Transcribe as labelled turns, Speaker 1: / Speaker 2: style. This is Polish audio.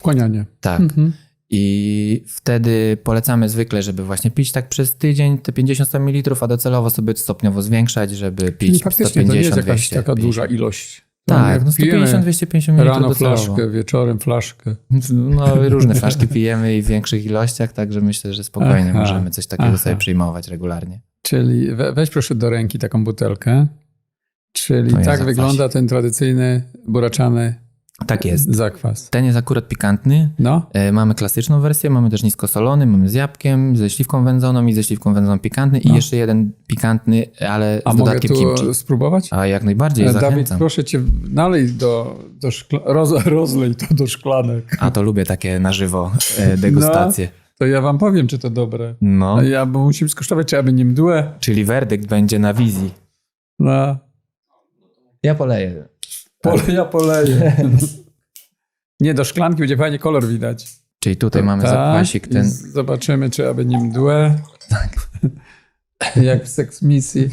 Speaker 1: Wchłanianie.
Speaker 2: Tak. I wtedy polecamy zwykle, żeby właśnie pić tak przez tydzień te 50 ml, a docelowo sobie stopniowo zwiększać, żeby pić
Speaker 1: Czyli faktycznie to nie jest
Speaker 2: 150,
Speaker 1: jakaś
Speaker 2: 200,
Speaker 1: taka
Speaker 2: 50.
Speaker 1: duża ilość.
Speaker 2: Tak, no 150-250 ml
Speaker 1: Rano
Speaker 2: docelowo.
Speaker 1: flaszkę, wieczorem flaszkę.
Speaker 2: No różne flaszki pijemy i w większych ilościach, także myślę, że spokojnie możemy coś takiego sobie przyjmować regularnie.
Speaker 1: Czyli weź proszę do ręki taką butelkę. Czyli
Speaker 2: To ja
Speaker 1: tak
Speaker 2: zakwasie.
Speaker 1: wygląda ten tradycyjny buraczany
Speaker 2: Tak jest.
Speaker 1: zakwas.
Speaker 2: Ten jest akurat pikantny.
Speaker 1: No,
Speaker 2: Mamy klasyczną wersję, mamy też niskosolony, mamy z jabłkiem, ze śliwką wędzoną i ze śliwką wędzoną pikantny i jeszcze jeden pikantny, ale
Speaker 1: a
Speaker 2: z
Speaker 1: mogę
Speaker 2: dodatkiem
Speaker 1: tu
Speaker 2: kimchi.
Speaker 1: spróbować?
Speaker 2: A jak najbardziej,
Speaker 1: Dawid,
Speaker 2: zachęcam.
Speaker 1: proszę cię, nalej rozlej to do szklanek.
Speaker 2: A to lubię takie na żywo degustacje.
Speaker 1: To ja wam powiem, czy to dobre.
Speaker 2: No,
Speaker 1: Bo musimy skosztować, czy aby nie mdłe.
Speaker 2: czyli werdykt będzie na wizji.
Speaker 1: No.
Speaker 2: Ja poleję.
Speaker 1: Ja poleję. Nie, do szklanki będzie fajnie kolor widać.
Speaker 2: Czyli tutaj mamy zakwasik
Speaker 1: i
Speaker 2: ten.
Speaker 1: zobaczymy, czy aby nie mdłe. Tak. Jak w Sex Misji.